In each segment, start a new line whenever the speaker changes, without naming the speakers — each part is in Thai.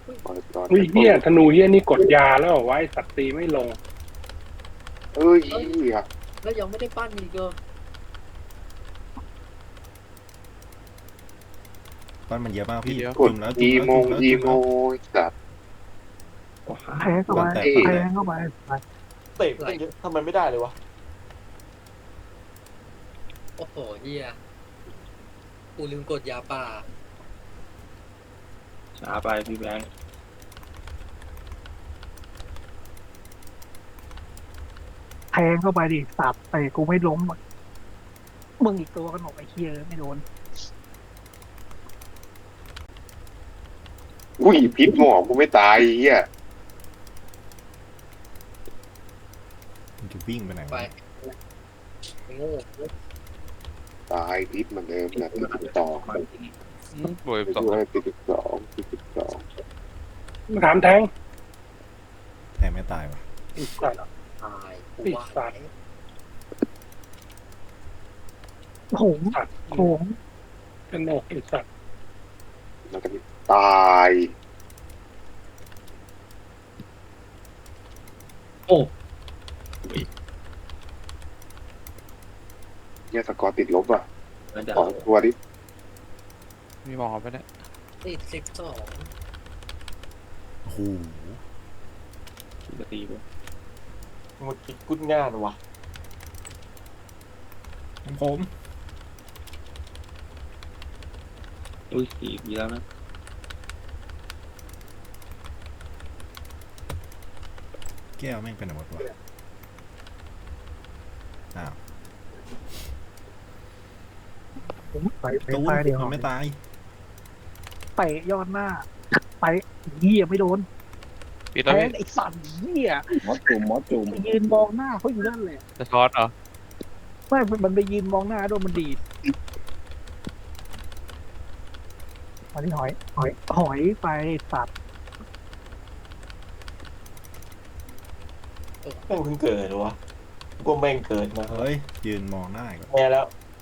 อุ้ยเฮียธนูเฮียนี่กดยาแล้วไว้สัตว์ตีไม่ลง
เอ้ยอ่ะ
แล้วยังไม่ได้ปั้นอีกเหรอ
ปั้นมันเยอะมากพี่
กด
จุ่มแล้ว
อี
จุ่ม
โม
แล้ว
อี
จุ่ม
โม
แล้ว
จัด
แทงเข้าไป
บ้านแตก
แทงเข้าไป
เตะตั้งเยอะทำไมไม่ได้เลยวะ
โอ้โหเฮียกูลืมกดยาป่า
ช้าไปพี่แบงค์
แทงเข้าไปดิสับแต่กูไม่ล้มอะมึงอีกตัวกันหนกไอ้เคียไม่โดน
อุ้ยพิษหมอกกูไม่ตายเฮีย
มันจะวิ่งไปไหน
ไป
วะ
โง่
ตายพิษเหมือนเดิมนะติดต่อ
บวก
ไป
สอง
ด้วยติดต่อ
มาถามแทง
แทงไม่ตายวะ
อีกสัตว์
ตายกู
ปิด
ว่า
สัตว์
โหง
สัตว์
โหง
เป็นโนกอีกสัตว์
แล้วก็ตายเนี่ยสกอร์ติดลบอ่ะ
แล้วเดี๋ยว
สองตัวดิ
มีหมอไปเนี่ย
ติด12
โอ้โห
จะตีไป
หมดกิดกุ้นง่านวะ
ของผม
อุ้ยตีอีกแล้วนะ
แก้วแม่งเป็นอะไรวะอ้าว
ไป
ตูน
ตายเดียว
มันไม่ตาย
เตะยอดหน้าไปเหี้ยไม่โดน
ปิด
แท
แล้ว
ง
พี่
ไอ้สัตว์เหี้ย
หมอจุ่ม
ไปยืนมองหน้าเขาอยู่นั่นเลย
จะช็อตเหรอ
ไม่มันไปยืนมองหน้าโดนมันดีดมาที่หอยไปสัตว์
แม่งเพิ่งเกิดเหรอวะกูแม่งเกิดมา
เฮ้ยยืนมองหน้าอีก่อน
แม่แล้ว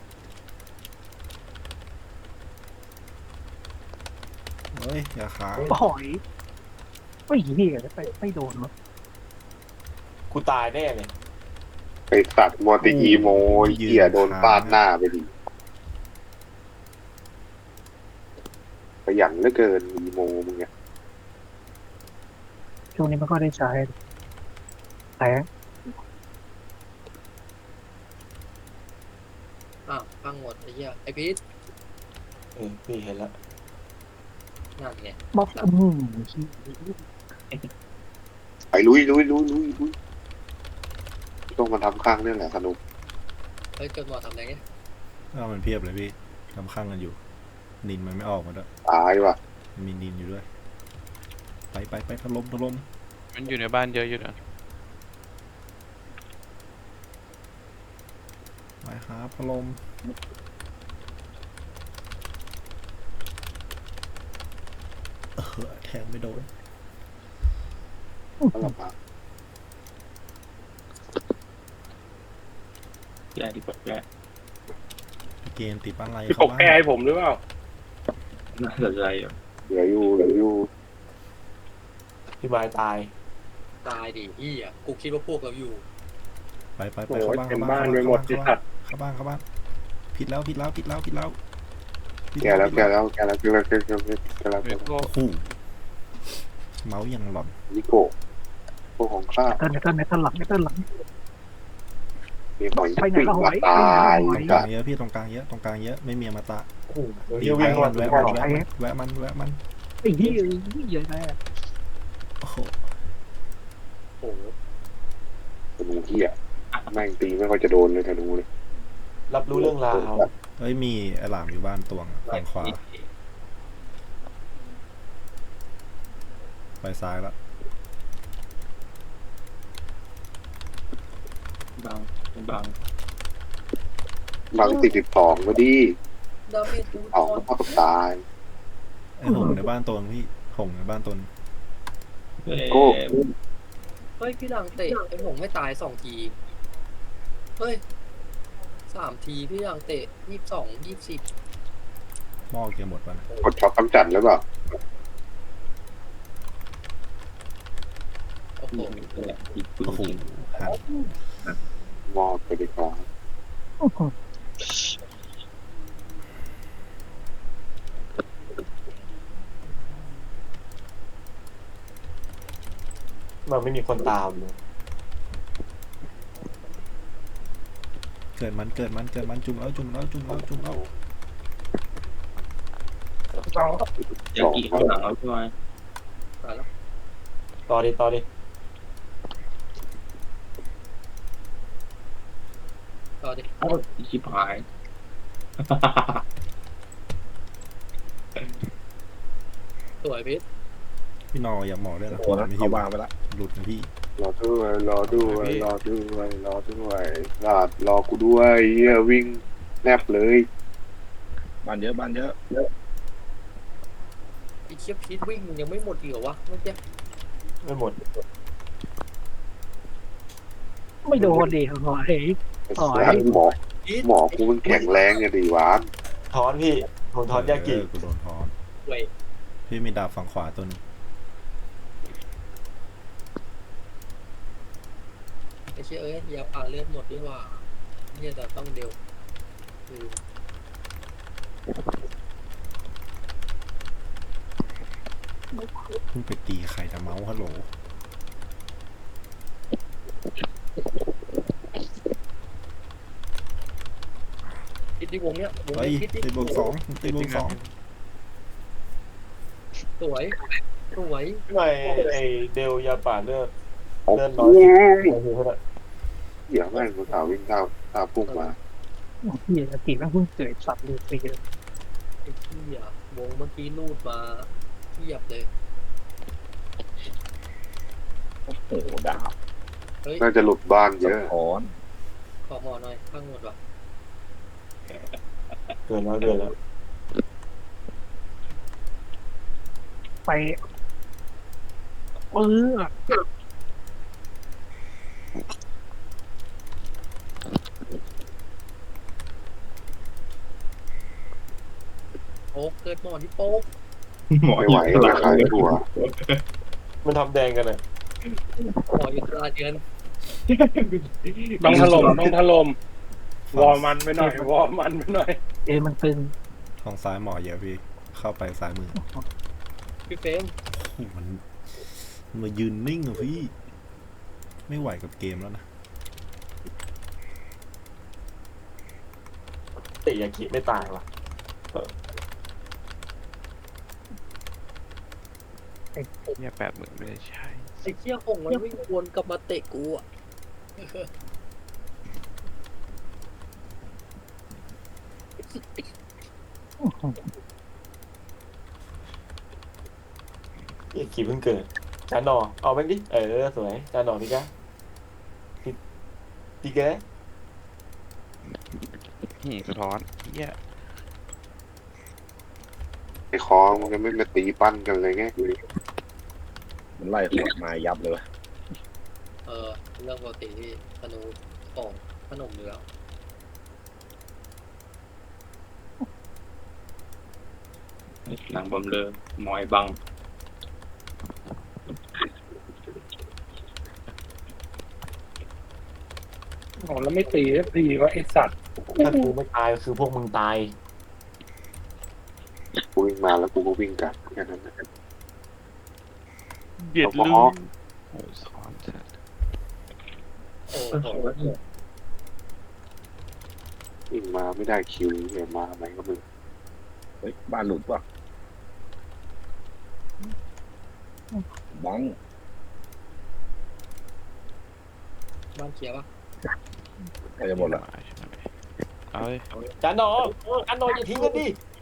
เฮ้ยอย่าขา
หอยไม่เหี้ยไปไม่โดนวะ
กูตายแน่เลย
ไปตัดมอติอีโมเฮียโดนฟาดหน้าไปดิขยันเหลือเกินอีโมมึงเนี่ย
ช่วงนี้มันก็ได้ใช้แทง
อ้าวพังหมดไอ้เหี้ยไอ้พีท
พี่เห็นแล้ว
นั่นไง
บอก
ไปลุยต้องมาทำข้างนี่แหละสนุก
เฮ้ยจนหมอทำอะไรเงี้ย
ก็มันเพียบเลยพี่ทำข้างกันอยู่ นินมันไม่ออกมาด้วย
ตายว่ะ
มันมีนินอยู่ด้วย ไปถล่ม
มันอยู่ในบ้านเยอะอยู่นะ
ไปครับถล่มแทงไม่โดน
ก็ลำบาก
แย่ดีกว่าแย่
เกมติดอะไร
พี่ป
เข้าก บ้า
แก้
น
ให้ผมหรือเปล่า
น่าสนใจอยู่
เหลืออยู่
พี่ไม้ตาย
ตายดิเหี้ยกูคิดว่าพวกเราอยู่
ไป
โอ้
เข้า
ย
บ้าน
เต็มบ้านไปหมดที่สัตว์
เข้าบ้านผิดแล้ว
แกแล้ว
มีพวก
โอ้โหเมาส์ยังหล่อน
นิโกะพวกของข้า
เต้นหลัง
มีหอย
ไปไหน
ปิ้ง
ก็ห
มา
อย
ตาย
ตรงก
กั
ลางเยอะพี่ตรงกลางเยอะไม่มีอมตะ
โอ้โห
ตี
เดี๋ยว
ไป
วิ่งก่อน
แวะ
ก่อน
มัน
ไอ้เหี้ยใหญ่แน่
โอ้โห
โอ้โห
ธนูเฮียแม่งตีไม่ค่อยจะโดนเลยธนูเลย
รับรู้เรื่องราว
เฮ้ยมีไอหลามอยู่บ้านตวงฝั่งขวาไปซ้ายละ
บาง
บาง42ก็ดี
ดาเมจกู
เอา
ตอน
เข้ากับตาย
ไอหงในบ้านตวงพี่หงในบ้านตวง
โก้
เฮ้ยพี่ดังเตะไอ้หงไม่ตาย2 ทีเฮ้ย3 ทีพี่ดังเตะ22 20
หม้อเกียร์หมดวะนะ
กดช็อตกำจัดหรือเปล่า
นี่แหละอีกปืน
โอ้โห
จริง
หัน
มอบไปดีกว่า
มันไม่มีคนตามเลย
เกิดมันจุ่มแล้ว
ยากิข้างหลังเราใช่ไหม
ตายแล้ว
ต่อดิ
ต่อดิ
อ้าวชิบหาย
สวยพิษ
พี่นออย่าหมอด้วยนะ
โอ้นะ
ไม่
เขา
หิว
วางไปละ
หลุดนะพี่
รอด้วยรอกูด้วยเหี้ยวิ่งแนบเลย
บ้านเยอะบ้านเยอะ
ไอ้เชี่ยพิษวิ่งยังไม่หมดอีกเหรอวะเมื่อกี้
ไม่หมด
ไม่โดนดิหอย อ๋อ
หมอกูมันแข็งแรงไงดีหวาน
ถอนพี่ผมถอนยากิ
กูโดนถอน
เว้ย
พี่มีดาบฝั่งขวาตัวหนึง
ไอ้เชี่ยเอ้ยยาป่าเลือดหมดดีกว่าเนี่ยแต่ต้องเดียวคือ
เพิ่งไปตีใครแต่เมาส์ฮัลโหล
พิษที่วงเนี้ยวง
เฮ้ย
พิษที่
ตีบวกสองตีบวกสอง
สวยสวย
ไม่ไอเดลยาป่าเลือด
โอ้
เลื่อน
โห
น้อย
เหี้ยแม่งกูสาววิ่งตามพุ่งมา
เฮียสติแม่งเพิ่งเกิดสัตว์เลยสิ
ไอ้เชี่ยวงเมื่อกี้ลูดมาเทียบเลย
โอ้โหดาบ
เฮ้ย
น่าจะหลุดบ้านเย
สะ
อะ
ท้อน
ขอหมอหน่อยข้างหมดว่ะ
เกินแล้ว
ไปเออ
โป๊กเกิดหมอที่โป๊ก
หมอ
ไม่ไหว
อยู่
ราคาหัว
มันทำแดงกันเลย
หมออยู่ตลาดเดือน
ต้องถล่มวอร์มันไปหน่อยวอร์มันไปหน่อย
เอยมันตึง
ฝั่งซ้ายหมอเยอะพี่ เข้าไปซ้ายมือ
พี่เฟรม
โอ้โหมันมายืนนิ่งอะพี่ ไม่ไหวกับเกมแล้วนะ
เตะยากิไม่ตายว่ะ
เนี่ย80,000ไม่ได้ใช่
ไอ้เชี่ยคงมันวิ่งวนกลับมาเตะกูอ่ะ
ยากิเพิ่งเกิดจานหนอเอาแม่งดิสวยจานหนอนี่กะดีแก
สะท้อนเหี้ย
ไอ้คอมันก็ไม่มาตีปั้นกันเลยไง
มันไล่ขวดมายับเลยวะ
เรื่องปกติที่ธนูของขนมอยู่แล้ว
หลังบอมเลยหมอยบัง
โอ้แล้วไม่ตีสักทีว่าไอสัตว์
ถ้ากูไม่ตายคือพวกมึงตาย
กูวิ่งมาแล้วกูก็วิ่งกลับแค่นั้นนะ
เบียด
เอา
ลื
พอ
มโอ้ยสอนจัด
โอ้โห
วิ่งมาไม่ได้คิวเนี่ยมาไหนก็มึง
เฮ้ยบ้านหลุดวะบัง
บ้านเคลียร์ปะ
ใกล้จะหมดละ
ใช่ไหมเอาเลย
จานหนออันหนออย่าทิ้งกันดิ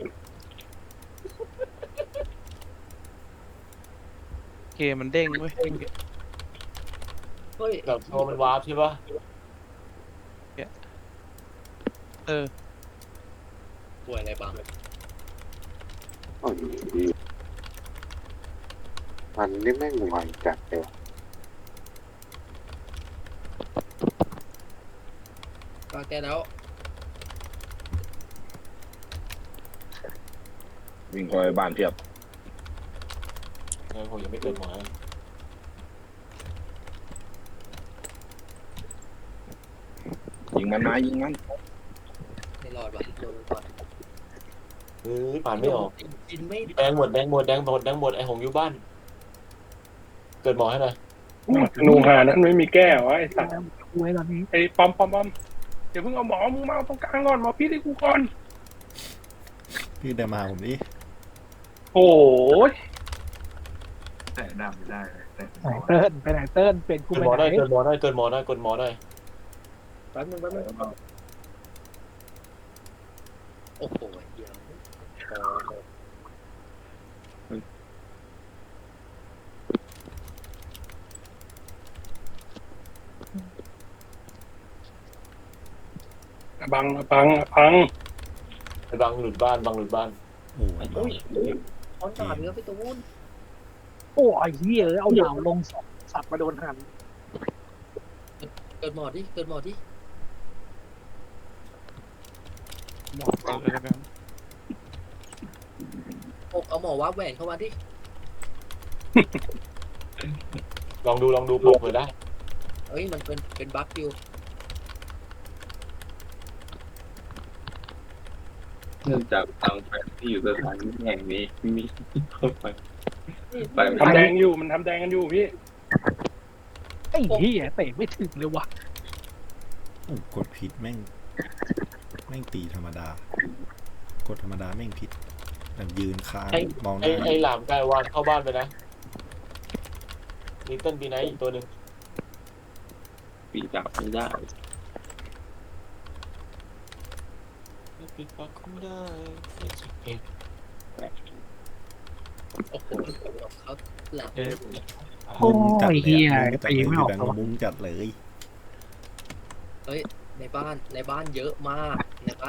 เกมมันเด้งเว้ย
เฮ้ย
แบบโชว์มันวาร์ปใช่ปะ
ป่วยอะไรบ้าง
โอ้ยดีมันนี่แม่งไวจัดเลยวะ
ปาแกแล้ว
วิ่งเข้าไปบ้านเพียบ
ผมยังไม่เกิดหมอ
ยิงมันมายิงมัน
ไม่รอดว่ะโดนก่อน
ผ่านไม่ออก
กินไม่
แดงหมดไอ้หงอยู่บ้าน เกิดหมอให้หน่อย
ธนูหานั้นไม่มีแก้วะไอ้สัตว์
กูไว้ตอนนี้
ไอ้ปอมเดี๋ยวเพิ่งเอาหมอมึงมาเอาตรงกลางก่อนหมอพี่ให้กูก่อน
พี่ได้มาผมดิ
โอ้ย
ไหนเติ้ลไปไหนเติ้ลเป็นกู
เกิด
ไป
หมอ
ไหน
ได้เกิดหมอได้
แป๊บนึงโอ้โหเหี้ย
บัง
ไอ้บังหลุดบ้าน
โอ้ย
โอ้ยออนดาบเนื้อไปตรงนู้น
โอ้ยเหี้ยเอาดาวลงสองสัตว์มาโดนหัน
เกิดหมอดิ
หมอกเลยแล้วกัน
เอาหมอวับแหวนเข้ามาดิ
ลองดูปลุกเผื่อได้
เอ้ยมันเป็นบั๊กอยู่
เนื่องจากทางแฟนที่อยู่สถานที่แห่งนี้มีเข้าไปไป
ทำแดงอยู่มันทำแดงกันอยู่พี่
ไอ้เหี้ยเตะไม่ถึงเลยว่ะ
โอ้กดผิดแม่งตีธรรมดา กดธรรมดาแม่งผิดแบบยืนค้างมองหน้า
ไอ้หลามกายวานเข้าบ้านไปนะลิตเติ้ลบีไนท์อีกตัวหนึ่ง
ปีจับไม่ได้
ปิดปากไม่ได้
โอ้โหเขาหลับ
โอ้ยเหี้ย
มุ้งจัด
ตีไม่ออก
แบง
ตัว
ค์มุ้งจัดเลย
ในบ้านเยอะมาก
เรียบ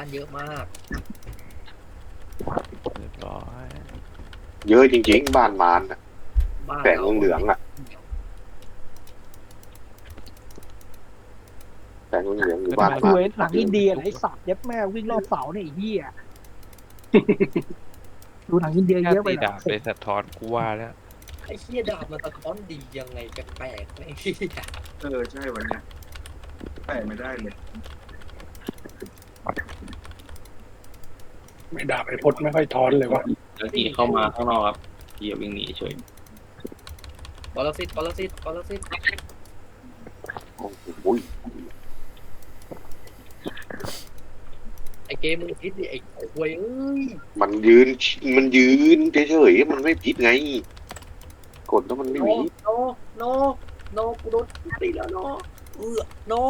ร้อย
เยอะจริงๆบ้านมารน่ะ
บ้าน
แสงเหลืองๆอ่ะแสงเหลืองๆอยู่บ้าน
กู
มาร
เว้นหลังอินเดียไอ้สัตว์ยัดแม่วิ่งรอบเสาเนี่ยไอ้เหี้ยดูหนังอินเดีย
แค่
เยอะไป
ตี
หน่
ดาบเลยสะท้อนกูว่าแล้ว
ไอ้เหี้ยดาบมันสะท้อนดียังไงแปลกๆไอ้เหี้ย
ใช่วันนี้ไปไม่ได้เลย
ไม่ด่าไปพดไม่ค่อยทอนเลยวะ
แล้วที่เข้ามาข้างนอกครับที่วิ่งหนีเฉย
ปรสิต
โอ้โห
ไอ้เกมมึงคิดดิไอ้ควยเอ้ย
มันยืนเฉยๆมันไม่ผิดไง กดแล้วมันไม่มี
โนกูโดนตีแล้วโน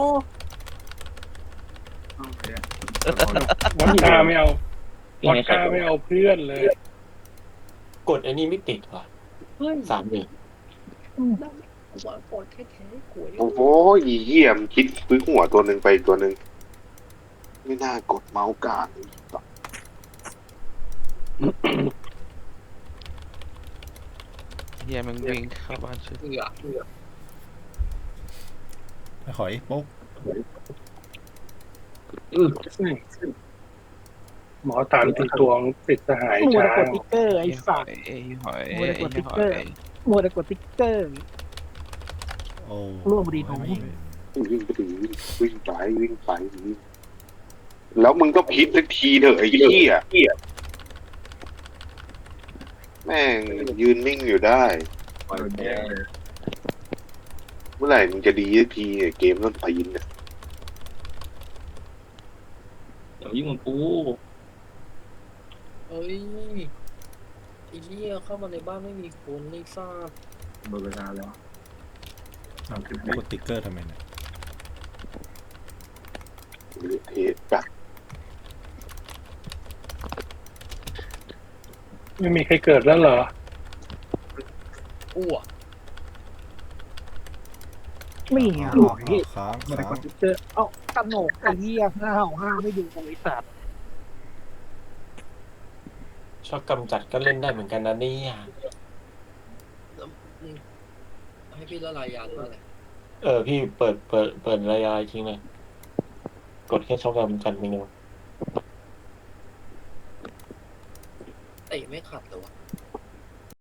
วอดก้าไม่เอาวอดก้าไม่เอาเพื่อนเลย
กดไอ้นี่ไม่ติดว่ะ
เฮ้ย
3-1
วางกดแค่ควย
โอ้โหเยี่ยมคิดซื้อหัวตัวหนึ่งไปตัวหนึ่งไม่น่ากดเมาส์กลาง
เฮียมันวิ่งเข้าบ้านชุด
เอือ
ไอ้หอยโป๊ก
หมอตามตีตวงติดสหาย
มัว
ช้า
แต่กดติ๊กเกอร์ไอ้สัตว์
ไอ้หอย
มัวแต่กดติ๊กเกอร์
ไอ้
มัวแต่กดติ๊กเกอร์
โอ้
ร่วมดีหนู
ไม่
วิ่งไปถึงวิ่งไปแล้วมึงก็พิษสักทีเถอะไอ้เหี้ยแม่งยืนนิ่งอยู่ได้
ปล่อยแพ้
เมื่อไหร่มึงจะดีสักทีเนี่ยเกมต้นปีนเนี่ย
เดี๋ยวยิ่งมันกู
เอ้ยไอ้เหี้ยเข้ามาในบ้านไม่มีคนไม่ทราบ
หมดเวลาแล้ว
เอากดติ๊กเกอร์ทำไมเนี่ย
เทสแบบ
ไม่มีใครเกิดแล้วเหรอ
อ้ว
ไม่เหี้ยหรอก
ค้าง
มัวแต่
ค้าก ง
ดติ๊กเกอร์เอ้ากระโหนกไอ้เหี้ยห้าไม่ดูไอ้สัตว์
ชอบกำจัดก็เล่นได้เหมือนกันนะเนี่ย
ให้พี่ละลายยานว่าอะไร
พี่เปิดระยะทิ้งเลยกดแค่ชอบกำจัดเมนู
เตะไม่ขัดเลยวะ